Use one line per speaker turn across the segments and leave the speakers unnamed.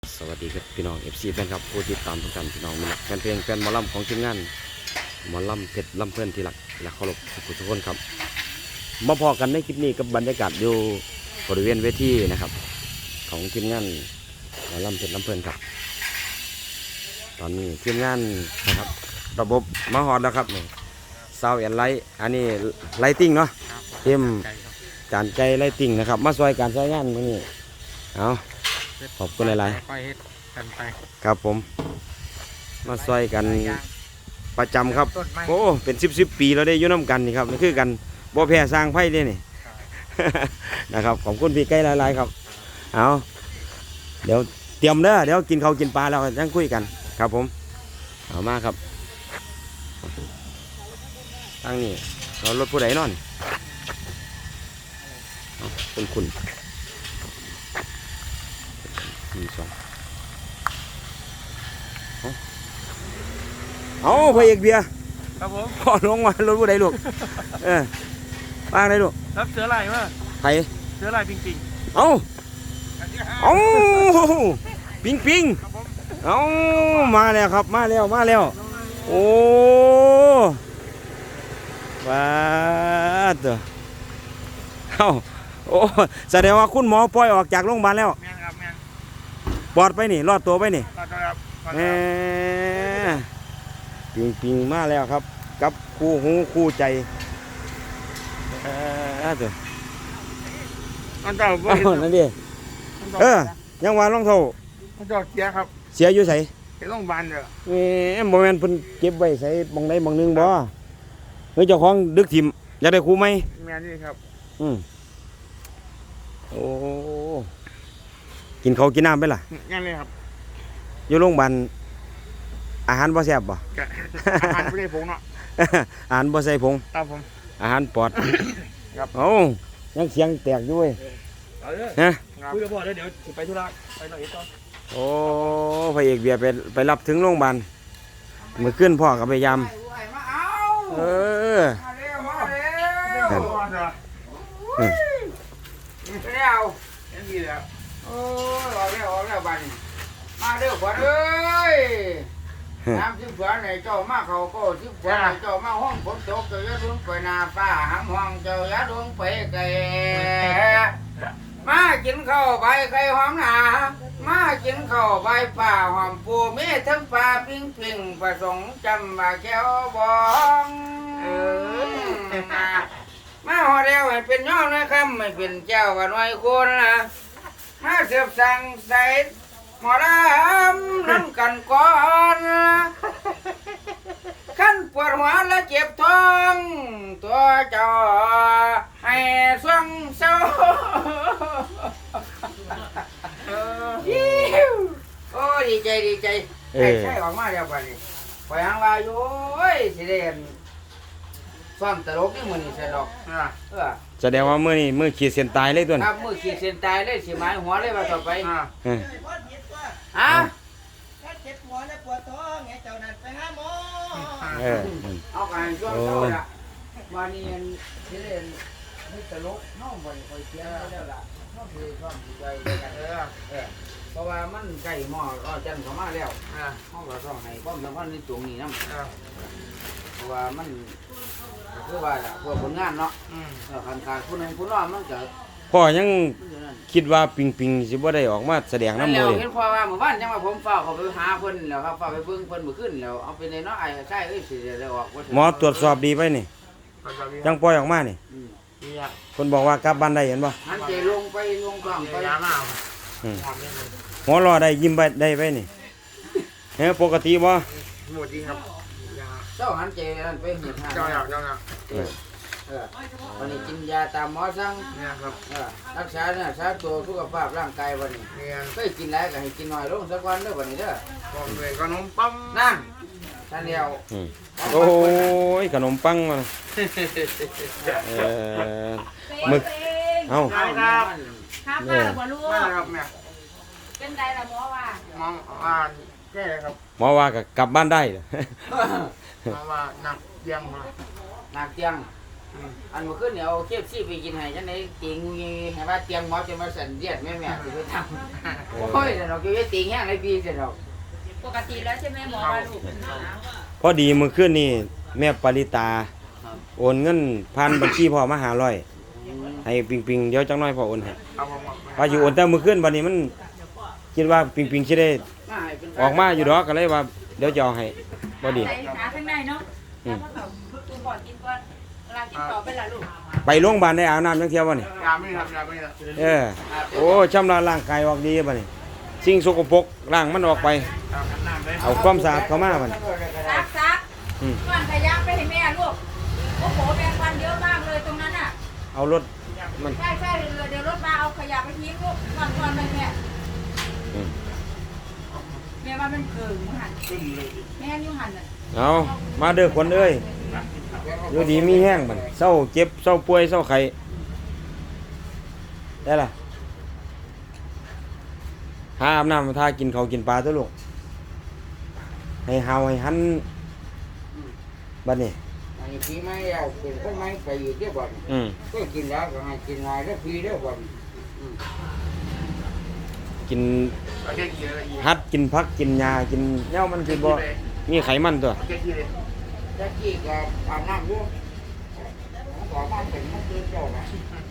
สวัสดีครับพี่น้อง FC แฟนครับผู้ติดตามทุกท่านพี่น้องมีหลักแฟนเพลงแฟนหมอลำของทีมงานหมอลำเพชรลำเพื่อนที่หลักและเคารพทุกคนครับมาพอกันในคลิปนี้กับบรรยากาศอยู่บริเวณเวทีนะครับของทีมงานหมอลำเพชรลำเพื่อนครับตอนนี้ทีมงานนะครับระบบมาฮอดแล้วครับนี่ซาวแอนไลท์อันนี้ไลติ้งเนาะเต็มการใจไลติ้งนะครับมาซอยการซอยงานมื้อนี้เอาขอบคุณหลายๆ
ค่อยเฮ็ดกันไป
ครับผมมาซอยกันประจำครับ
ต้นไม้
โอ้เป็น10ปีเราได้อยู่น้ำกันนี่ครับนี่คือกันบ่แพ้สร้างไพ่เด้นี่ นะครับขอบคุณพี่ไก่หลายๆครับเอาเดี๋ยวเตรียมเด้อเดี๋ยวกินข้าวกินปลาแล้วยังคุยกันครับผมเอามาครับตั้งนี่เรารถผู้ใดนอนเอาคุณมีสองเอาพระเอกเบียร์
ครับผม
พอลงมารถผู้ใดลูกวางได้ลูก
รับเสือลายมา
ไผ
เสือลายจริง
เอาเอาปิงปิง
ๆครับผม
เอามาแล้วครับมาแล้วโอ้ว้าตัวเอาโอ้แสดงว่าคุณหมอปล่อยออกจากโรงพยาบาลแล้ว
แม่นครับแม่น
ปลอดไปนี่รอดตัวไปนี่
ต่อครับต่อ
แห
ครับ
มปิงมาแล้วครับกับคู่หูคู่ใจตัว
อันเจ้าบ่
เอา
เห็น
นั่นดิยังว่าลองเท่า
อันเจ้าเสียครับ
เสียอยู่ไส
เห็นโรงพยาบาลเด้อ
บ่แม่นเพิ่นเก็บไว้ใส่บางใดบางหนึงบ่เฮ้ยเจ้าของดึกถิ่มอยากได้ครูไหม
แม่นนี่ครับ
โอ้กินข้าวกินน้ำไปล่ะ
งั้นเลยครับ
อยู่โรงพยาบาลอาหารบ่แซ่บบ่
กะอาหารไม่ได้ผงเนาะ
อาหารบ่ใส่ผง
ครับผม
อาหารปลอด
ครับ
เอ้ายังเสียงแตกอยู่เว้ย
เอาเด้อ
ฮะ
คุยกับพ่อเดี๋ยวไปธุระไปหน่อยต่อ
โอ้พระเอกเบียร์ไปรับถึงโรงพยาบาลเมื่อคืนพ่อก็พยายาม
มาเอา
เออ
มาเร็วมาเร็
เดี๋ยว
ว
พ่อเด้อ
เร็ว
เห็นดีแล้ว
โอ้ยออกแล้วบัดนี้มาเร็วขวัญเอ้ยน้ำที่ขวัญไหนเจ้ามาเขาก็ที่ขวัญไหนเจ้ามาห้องฝนตกเจ้าอย่าดวงไปหน้าฟ้าหำห้องเจ้าอย่าดวงไปไกลมากินข้าวใบไข่หอมหนามากินข้าวใบป่าหอมปูมีทั้งปลาปิ้งปิ้งผสมจำมาแก้วบองมาหอเดียวให้เป็นย่อนะครับไม่เป็นเจ้ากันไว้คนนะมาเสียบสั่งใส่หมอดำน้ำกันก่อนขั้นปวดหัวและเจ็บท้องตัวเจ้าให้สวงเศร้าโอ้ดีใจใช่ออกมาแล้วป่ะนี่ไปหางว่าอยู่โอ้ยสิเด่นซ้อมตลกนี่มือนี่สนุก
แสดงว่ามื้อนี้มื้อขีดเส้นตายเลยตัว
ค
นี้
รับมือขีดเส้นตายเลยสิหมายหัวเลยว่าต่อไป
เออ
ฮะ
ถ้าเจ็บหัวและปวดท้องไงเจ้านั่นไปหาหมอ
เออ
เอาการช่วงเช้าละวันนี้สิเด่นไม่ตลกน้องบ่คอยเสียแล้วล่ะน้องคือซ้อมใจกันเพราะว่ามันใกล้หม้อรอจันเข้ามาแล้วห้องก็ต้องให้ความสำคัญในตรงนี้นำเพราะว่ามันคือว่าล่ะพวกผลงานเนาะคันขาดผู้หนึงผู้น้องมันก็
พ่อยังคิดว่าปิงสิบ่ได้ออกมาแสดง
นั่น
น้ำ
แล้
มื
ว
อ
เห็นพอว่าเมื่อวานยังว่าผมฝ้าเขาไปหาเพิ่นแล้วครับฝ้าไปเบิ่งเพิ่นเมื่อคืนแล้วเอาไปในเนาะไอ้ใช่เอ้ยสิได้ออกบ่
หมอตรวจสอบดีไปนี่ยังปล่อยออกมานี่
มีอ่ะ
คนบอกว่ากลับบ้านได้เห็นบ่
หันใจลงไปลงกลางไป
ยามา
หมอรอได้ยิ้มไปได้ไปนี่เฮ้ยปกติบ่
หมดจริงครับยา
เจ้าหันใจนั่นไปเห็นทาง
เจ้าอยาก
วันนี้กินยาตามหมอสั่ง
เนี่ยครับ
รักษาเนี่ยรักษาตัวสุขภาพร่างกายวันนี้
เนี่ย
เคยกินแล้วก็ให้กินน้อยลงสักวันเด้อวันนี้เด้อ
บอกเลยขนมปัง
นั่นท่านเดียว
โอ้ยขนมปังมาหมึกเอ้า
ได้ครับ
ครับป้าบ่รู้
มาครับแม่
เป็นไดล่ะหมอว่า
มองอ่านแก้ครับ
หมอว่าก็กลับบ้านได้
มองว่าหนักเยี่ยมมา
หนักเตียงอันเมื่อคืนเนี่ยเอาเคฟซี่ไปกินให้จังได๋ติงให้ว่าเตรียมหมอจะมาสั่นเลียดแม่สิไปทำโอ้ยแต่เราก็ยังติงแห้งเลยพี่สิดอก
ปกติแล้วใช่ไหมหมอว่าลูก
พอดีมื้อคืนนี่แม่ปริตาโอนเงินผ่านบัญชีพ่อมา500ให้ปิงๆเดี๋ยวจักหน่อยพ่อโอนให้
ครับผม
ว่าอยู่โอนแต่มื้อคืนบัดนี้มันคิดว่าปิงๆสิได้
มาให้เป็น
ออกมาอยู่ดอกก็เลยว่าเดี๋ยวจะเอาให้บ่ดี
ใส่หาข้างในเนาะแล้วก็แบบคุณบอกกินก่อนเวลากินต่อเป็นละลูก
ไปโรงพยาบาลได้อาบน้ำจังเที่ยวบ่นี่
ยาไม่ครับยาไม่ครับ
โอ้ชำระร่างกายออกดีบ่นี่สิ่งสกปรกล้างมันออกไป
น้ำเลย
เอาความสะอาดเข้ามาบ่นี่
ซักก่อนขยะไปให้แม่ลูกโอ้โหแมงวันเยอะมากเลยตรงนั้นอ่ะ
เอารถมัน
ใช่เดี๋ยวรถมาเอาขยะไปทิ้งลูกก่อนเลยแม่แม่ว่ามันเกิงหันแม่ยุ่งหันอ่ะ
เอามาเด้อคนเอ้ยอยู่ดีมีแห้งบัดเศร้าเจ็บเศร้าป่วยเศร้าไข้ได้ล่ะหาอาบน้ำทากินข้าวกินปลาตัวลูกให้เฮาให้หันบัดนี้
อันนี้พี่ไม่เอาเป็นคนไม่ไปอยู่ที่บ่อน ก็กินแล้วก็ให้กินง่ายแล้วพี่แล้วบ่อน
กิน
เอาแค่กี่เลย
ฮัดกินผักกินหญ้ากินแนวมันคือบ่มีไขมันตัว
เอาแค่กี่เลย
ตะกี้ก็อาบน้ำอยู่ขอมาเป็นมันคือเจ้านะ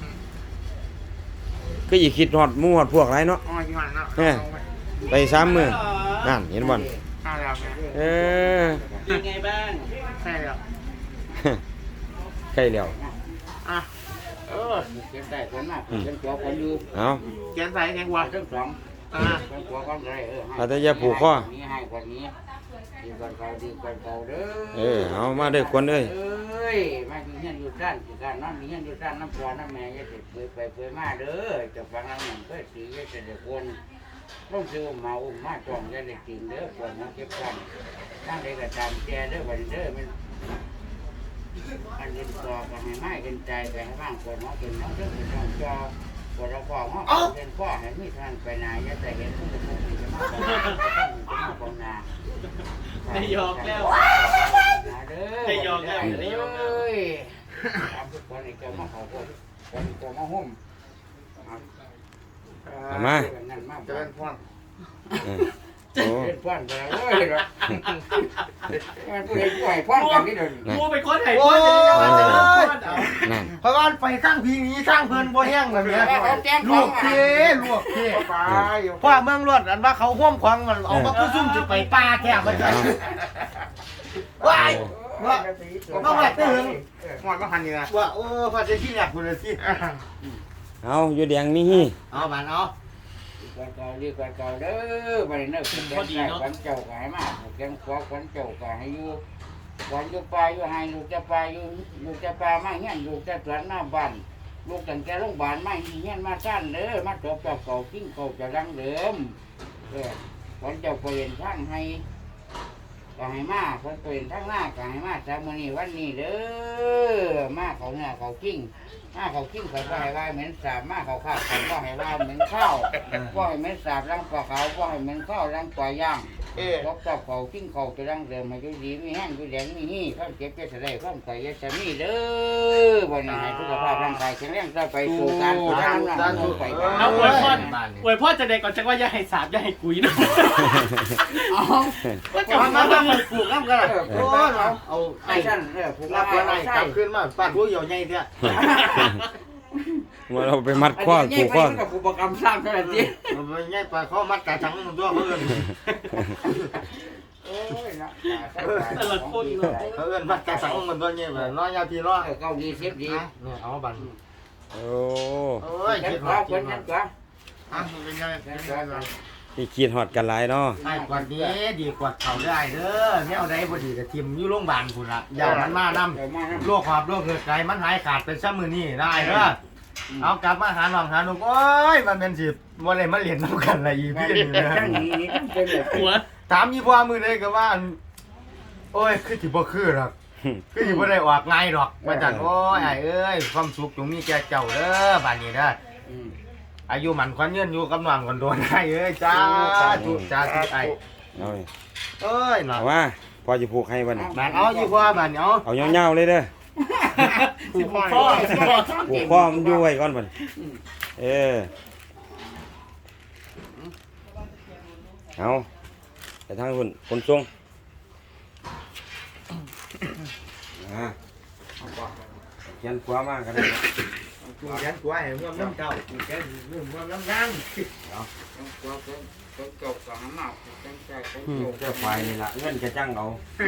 ก็อีกคิดฮอดหมู่ฮอดพวกหลายเนาะ
อ๋อกี่วันเนาะ
ไป3มื้อนั่นเห็นบ่
ห้าแล้วไง
เออ
เป็นไงบ้าง
ใช่แล้ว
ใกล้แล้ว
อ่ะ
เก็บได้คนมากเก็บตัวคนอยู่
เอา
แกนใส่แกงวัว
ทั้งสอง
อ่า
เก็บตัวคนเลยนี้ให้คนนี้ดีกว่าเก่าดีกว่าเก่าเด้อ
เอามาเด้อคนเอ้ย
เอ้ยมาอยู่เฮียนอยู่ด้านอยู่ด้านน้ำมีเฮียนอยู่ด้านน้ำปลาน้ำแม่อย่าติดเปื่อยไปเปื่อยมาเด้อจะฟังน้ำหนึ่งก็สีอย่าจะได้คนต้องซื้อมาอุ้มมาจองอย่าได้กินเด้อควรมาเก็บกันตั้งใจกระจายแจเด้อวันเด้อมันอันเดินต่อกันให้ไม้กันใจไปให้บ้างคนน้องเป็นน้องเด้อเป็นน้องจอคนเราฟ้องห้องเป็นฟ้อให้มีทางไปนาอย่าแต่เห็นผู้เป็นผู้จะมาของนา
ได้ยอกแล้ว
ได้ยอกแล้วได้ยอกเลยทำทุกคนไอ้เจ้ามาเขาคนเจ้ามาห่ม
เอามา
จะเป็นพ่อน
โอ้
เป็นพ่อนไปแล้วเว้ยหรอมันผู้ใดผู้ใดพ่อนกันนี่เดิน
กูไปค้นไห้พ่อจะได้ยังไงจะได้พ่อเอา
นั่น
เพราะว่าไปสร้างพีนี้สร้างเพิ่นบ่แห้งแบบนี้ลวกเทลวกเท
ไป
เพราะเมืองรวดอันว่าเขาห่วมควางมันเอามาซุ่มจะไปป่าแท้มันว้ายว่าว่าแบบตื่นหมดมาพันนี่นะว่าโอ้พันจะขี้อยากคุณเลยสิ
เอาอยู่แดงมีฮี่
เอาบานเอา
ดีกว่าเก่าเด้อไปเนิ่งเป็นคนได้ขวัญเจ้าก็ให้มาแกงขวาขวัญเจ้าก็ให้อยู่ขวัญอยู่ป่าอยู่ให้ลูกจะป่าอยู่ลูกจะป่ามาเงี้ยลูกจะสวนหน้าบ้านลูกตั้งแต่โรงพยาบาลมาเงี้ยมาสั้นเด้อมาจบจากเก่ากิ้งเก่าจะรังเดิมขวัญเจ้าเปลี่ยนทางให้ก็ให้มาขวัญเปลี่ยนทางหน้าก็ให้มาจากมื้อนี้วันนี้เด้อมาเขาเนี่ยเขากิ้งมาเขากิ้งเขาก็ให้ว่าเหม็นสาบมาเขาข้าวเขาก็ให้ว่าเหม็นข้าวก็ให้เหม็นสาบรังปลาขาวก็ให้เหม็นข้าวรังปลาย่างรบกับเขากิ้งเขาจะรังเดิมมาอยู่ดีมีแห้งอยู่แดงมีหี่ข้ามเจ็บจะได้ข้ามไก่จะมีเด้อวันนี้ให้สุขภาพร่างกายแข็งแรงต่อไปสู่การสู่ทางนั้นไป
เอาอวยพ่อจะได้ก่อนจังว่าอย่าให้สาบอย่าให้กุยนะ
ก็จะมาบ้างเลยปลูกน้ำกันโอ้เราเอา
ไอ้ท่านผูก
รับ
ไว้
อะไรกลับขึ้นมาป้าผู้เหี่ยวใหญ่เถอะ
ว่าเราไปมัดข้อ
ผู
ผู
ก
ก
ข้
ข้
อ
อ
กับผูกประกำสร้างเท่านั้นเอง
มันไม่ใช่ปลาข้อมัดกระชังมันตัวเพื่อน
โอ้ยนะ
ตลอดคนเลย
เพื่อนมัดกระชังมันตัวนี้แบบน้อยยาพี่น้อย
เก้าดีเสียบดี
เนี่ยเอาบัน
โอ้
โอ้ย
เก็
คิ
บ
ด
ข้า
ว่าว
คนนั้นก็
อ่ะเป็นไงเป็นไง
ที่คิดฮอดกันหลายเนาะ
ไอ้กว่านี้ดีกว่าเขาได้เด้อเนี่ยเอาได้พอดีกับทีมอยู่โรงพยาบาลคุณละอย่ามันมานำโรคความโรคเกิดไกมันหายขาดเป็นซ้ำมือนี่ได้เด้อเอากลับมาหาหนองหาหนุ่มโอ้ยมันเป็นสิวันไหนมาเรียนน้ำกันอะไรอีพี่นี่นะ
ทั้งนี้เป็นแบบ
หัว
ถามยี่พ่อมือเลยก็ว่าโอ้ยคือที่บ่คือหรอกคือที่บ่ได้ออกไงหรอกมาจันโอ้ยไอ้เอ้ยความสุขจงมีแก่เจ้าเด้อบ้านนี้เด้ออายุมันควันเงินอยู่กับน้องกันโดนไอ้เอ้ยจ้าจุจ้าจุไอ้
เอาเลย
เอ้ยหน่อ
เอาว่าพอจะผูกให้วันนี้
บ้านเอายี่พ่อบ้านเอา
เอายาวๆเลยเด้อ
ผูกคอ
ผูกคอมันอยู่ไว้ก่อนบัดเอาไปทางคนทรงเขียนขวามากกันเลย
กูแกนกูให้เมื่อน้ำเจ้ากูแกนเมื่อน้ำนาง
จบกับหมาจังใจ
เจ้าควายนี่ละเงินจะจ้างเอา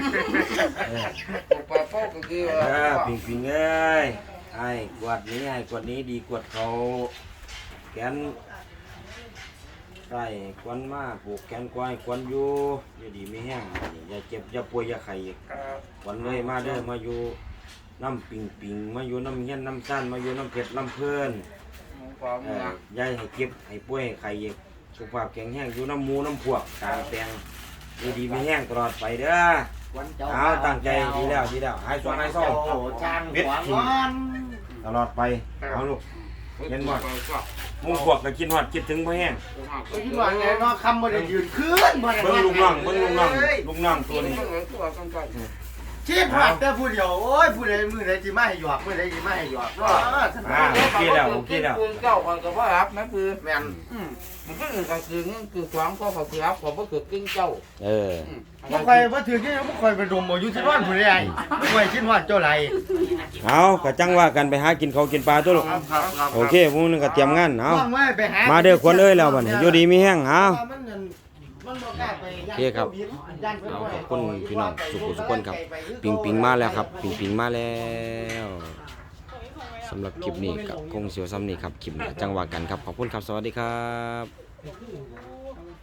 ปลาโป๊กก็คือ
ปิงเอ้ยไอ้กวดนี้ดีกวดเขาแกนใส่ควันมาปลูกแกนควายควันอยู่ดีไม่แห้งอย่าเจ็บอย่าป่วยอย่าไข้ควันเลยมาเด้อมาอยู่น้ำปิงมาอยู่น้ำเฮี้ยนน้ำซ่านมาอยู่น้ำเผ็ดน้ำเพื่อนยายให้เจ็บให้ป่วยให้ไข้สุขภาพแข็งแรงอยู่น้ำมูน้ำพวกตางแปลงดีไม่แห้งตลอดไปเด้อเอาตั้งใจดีแล้วหายสวงหายเศร้า
จางหัวงอน
ตลอดไปเอาลูกเห็นบ่มูพวกก็กินฮอดคิดถึงบ่แห้ง
ก็คิดว่าไงเนาะคำบ่ได้ยืนขึ้นบ่ได้
เบิ่งลูกน้องตัวนี้
ชีพหัดแต่ผู้เดียวโอ้ยผู้ใดมือใดสิมาให้หยอกมือใดสิมาให้หยอกก็
โอเคแล้ว
ปืนเก่าคนก็ว่ารับนะปืน
แม่น
มันก็คือการคือความก็เขาคือรับผมก็คือกิ้งเจ้า
บ่ค่อยบ่ถือที่บ่ค่อยไปดมอยู่ที่บ้านผู้ใดบ่ค่อยคิดว่าเจ้าไร
เอาก็จังว่ากันไปหากินข้าวกินปลาตัวลูก
ครับ
โอเคพวกนึงก็เตรียมงานเอา
ว่างไว้ไปหา
มาเด้อคนเอ้ยแล้วบัดนี้อยู่ดีมีแห้งเอา
มันบ่กล้าไป
โอเคครับเอาขอบคุณพี่น้องสุขคนครับปิงมาแล้วครับปิงมาแล้วสำหรับคลิปนี้ก็คงเสียวซ้ำนี่ครับคลิปหน้าจังว่ากันครับขอบคุณครับสวัสดีครับ